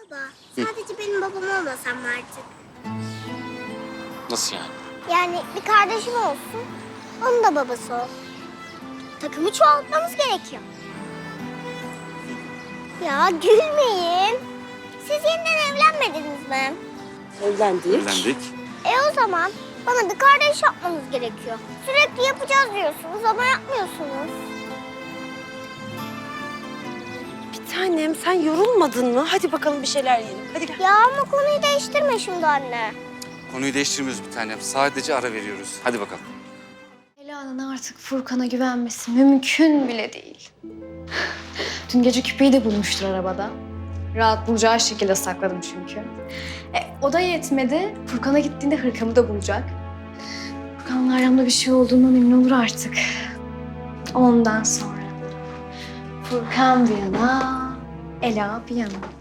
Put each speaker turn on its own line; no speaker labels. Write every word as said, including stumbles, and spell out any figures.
Baba, sadece benim babam olmasam mı artık?
Nasıl yani?
Yani bir kardeşim olsun, onun da babası ol. Takımı çoğaltmamız gerekiyor. Ya gülmeyin. Siz yeniden evlenmediniz mi?
Evlendik.
Evlendik.
E o zaman bana bir kardeş yapmanız gerekiyor. Sürekli yapacağız diyorsunuz ama yapmıyorsunuz.
Bir tanem sen yorulmadın mı? Hadi bakalım bir şeyler yiyelim. Hadi gel.
Ya ama konuyu değiştirme şimdi anne.
Konuyu değiştirmiyoruz bir tanem. Sadece ara veriyoruz. Hadi bakalım.
Ela'nın artık Furkan'a güvenmesi mümkün bile değil. Dün gece küpeyi de bulmuştur arabada. Rahat bulacağı şekilde sakladım çünkü. E, o da yetmedi. Furkan'a gittiğinde hırkamı da bulacak. Furkan'la aramda bir şey olduğundan emin olur artık. Ondan sonra Furkan bir yana, Ela bir yana.